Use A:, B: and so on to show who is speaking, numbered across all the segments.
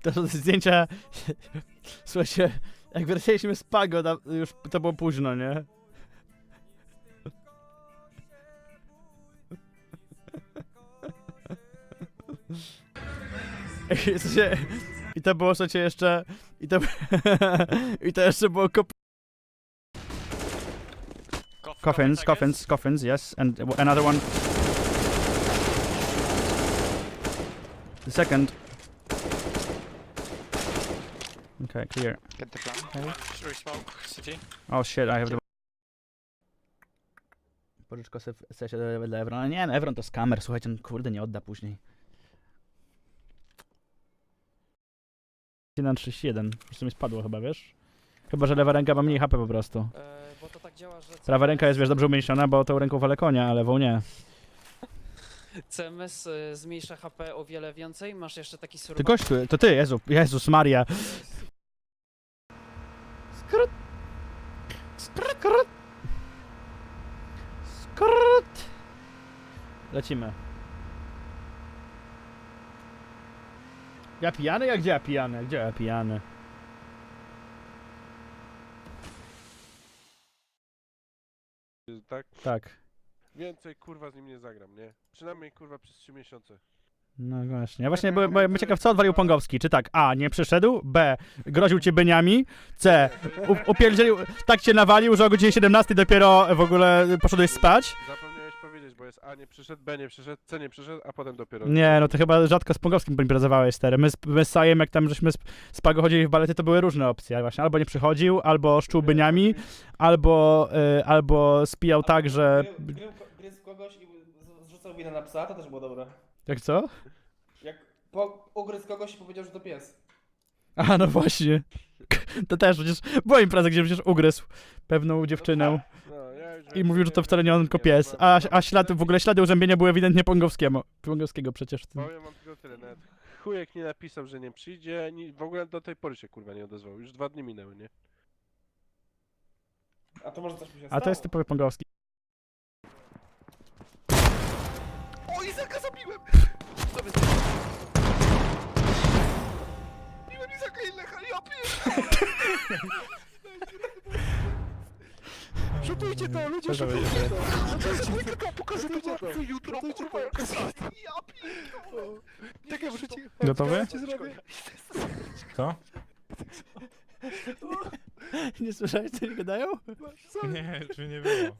A: To są zdjęcia... Słuchajcie, jak wracaliśmy z Pago, już to było późno, nie? I to było, słuchajcie, jeszcze... I to jeszcze było Coffins, yes, and another one. The second. Okay, clear.
B: Get the plan.
A: Okay.
B: Should we smoke city?
A: Oh shit, I have the... Pożyczko sobie w sensie dla Evrona. Nie, no Evron to skamer, słuchajcie, no, kurde, nie odda później. 1-31, po prostu mi spadło chyba, wiesz? Chyba, że lewa ręka ma mniej HP po prostu.
C: Bo to tak działa, że
A: Prawa ręka jest, wiesz, dobrze umięśniona, bo tą ręką walę konia, a lewą nie.
C: CMS zmniejsza HP o wiele więcej, masz jeszcze taki
A: Ty
C: survival.
A: gościu, to ty, Jezus Maria. Skrót. Skrót. Skrót. Lecimy. Ja pijany? Jak gdzie ja pijany? Gdzie ja pijany?
D: Tak?
A: Tak.
D: Więcej kurwa z nim nie zagram, nie? Przynajmniej kurwa przez 3 miesiące.
A: No właśnie. Ja właśnie byłem ciekaw, co odwalił Pongowski. Czy tak, A, nie przyszedł, B, groził cię byniami, C, upierdzielił, tak cię nawalił, że o godzinie 17 dopiero w ogóle poszedłeś spać?
D: Zapomniałeś powiedzieć, bo jest A nie przyszedł, B nie przyszedł, C nie przyszedł, a potem dopiero...
A: Nie, no to chyba rzadko z Pongowskim imprezowałeś, stary. My z Sajem, jak tam żeśmy z Pago chodzili w balety, to były różne opcje. Właśnie albo nie przychodził, albo szczuł byniami, albo spijał tak, że...
E: Gryzł kogoś i zrzucał winę na psa, to też było dobre.
A: Jak co?
E: Jak ugryzł kogoś i powiedział, że to pies.
A: A, no właśnie. To też przecież była impreza, gdzie przecież ugryzł pewną dziewczynę.
D: No, ja już
A: I mówił, że to wcale nie on, tylko pies. A w ogóle ślady urzębienia były ewidentnie Pongowskiego przecież.
D: Powiem wam tylko tyle, nawet chujek nie napisał, że nie przyjdzie, w ogóle do tej pory się kurwa nie odezwał, już 2 dni minęły, nie?
E: A to może coś mi się stało.
A: A to jest typowy Pongowski.
D: O, Izaka zabiłem! Sobie zabiłem Izaka i Lecha, ja Rzutujcie to, ludzie, rzutujcie to! Rzutujcie mój kakao, pokażę to jutro, kurwa, jak ja pierdolę! Czekaj, muszę ci...
A: Gotowy?
F: Co?
A: Nie słyszałeś, co oni gadają?
F: Nie, czy nie było.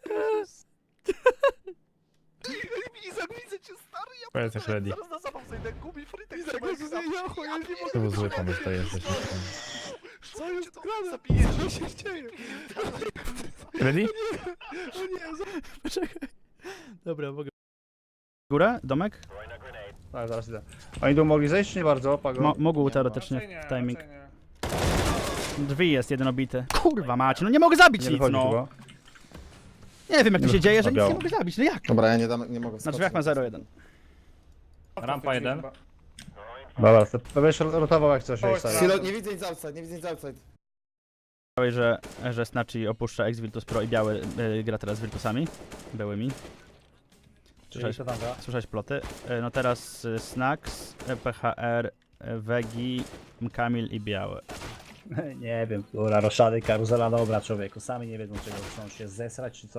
D: Izak, widzę cię, stary, ja
F: Powiedz jak ready.
D: zaraz na zabaw zejdę, gubi frytek, Izak, ja nie mogę...
F: To był zły pomysł, to jesteś.
D: Co jest grane? Zabijesz, co się dzieje?
F: Ready?
A: Poczekaj. Dobra, mogę. Górę? Domek?
G: Tak, zaraz idę. Oni tu mogli zejść, czy nie bardzo? Pago?
A: Mógł teoretycznie w timing. Drzwi jest jeden obity. Kurwa macie, no nie mogę zabić
G: Nie
A: nic,
G: wychodzi
A: no.
G: chyba.
A: Nie wiem jak to się dzieje, że nic
G: biało.
A: nie mogę zabić, no jak?
H: Dobra, ja nie mogę
A: Na
H: wskoczyć.
A: drzwiach ma 0-1.
F: Rampa 1.
G: Dobra, to będziesz rotował jak coś.
H: Silo, nie widzę nic outside, nie widzę nic outside.
A: Powiedziałeś, że Snatchy opuszcza ex-Virtus Pro i biały gra teraz z Virtusami. Byłymi. Słyszałeś ploty? No teraz Snax, PHR, Wegi, Kamil i biały.
G: Nie wiem, która roszady, karuzela, dobra człowieku. Sami nie wiedzą czego chcą się zesrać czy co.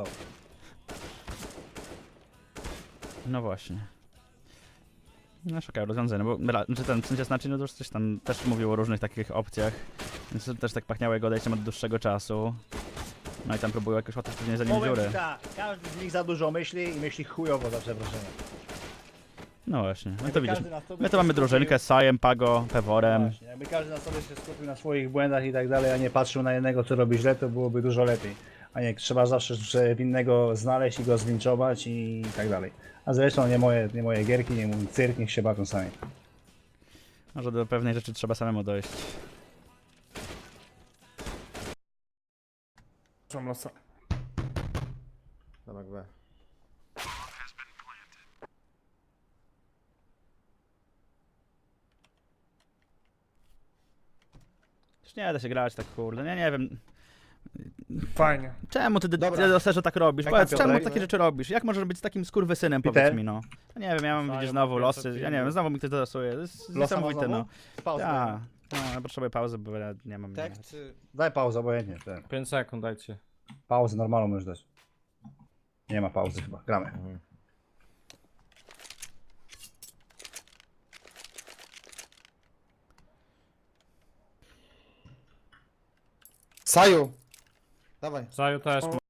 A: No właśnie. No szukają rozwiązania, bo ten w sensie Snatchy, no to już coś tam też mówił o różnych takich opcjach. Więc to też tak pachniało jego odejściem od dłuższego czasu. No i tam próbują jakoś łatać pewnie za nim dziury.
G: Tak, każdy z nich za dużo myśli i myśli chujowo za przeproszeniem.
A: No właśnie, no to widzisz.
G: Każdy na sobie
A: My to mamy
G: się
A: drużynkę z Sajem, Pago, Peworem.
G: Właśnie, jakby każdy na sobie się skupił na swoich błędach i tak dalej, a nie patrzył na jednego co robi źle, to byłoby dużo lepiej. A nie, trzeba zawsze winnego znaleźć i go zlinczować i tak dalej. A zresztą nie moje gierki, nie mój cyrk, niech się bawią sami.
A: Może do pewnej rzeczy trzeba samemu dojść.
E: Mam losa.
H: Domek B.
A: Już nie da się grać tak kurde, nie wiem.
E: Fajnie.
A: Czemu ty
H: Dobra.
A: Deserze tak robisz?
G: Jak
A: Powiedz,
G: tam,
A: czemu
G: Piotrek?
A: takie rzeczy robisz? Jak możesz być z takim skurwysynem,
G: Peter?
A: powiedz mi no. No nie wiem, ja mam widzisz znowu losy, ja nie wiem, znowu mi ktoś dodasuje, to jest niesamowite no. Ja, No, ja potrzebuję pauzy, bo ja nie mam...
H: Tak czy...
G: Daj pauzę, obojętnie.
F: 5 sekund dajcie.
G: Pauzę normalną możesz dać. Nie ma pauzy chyba, gramy.
H: Saju! Dawaj.
F: Zaju też.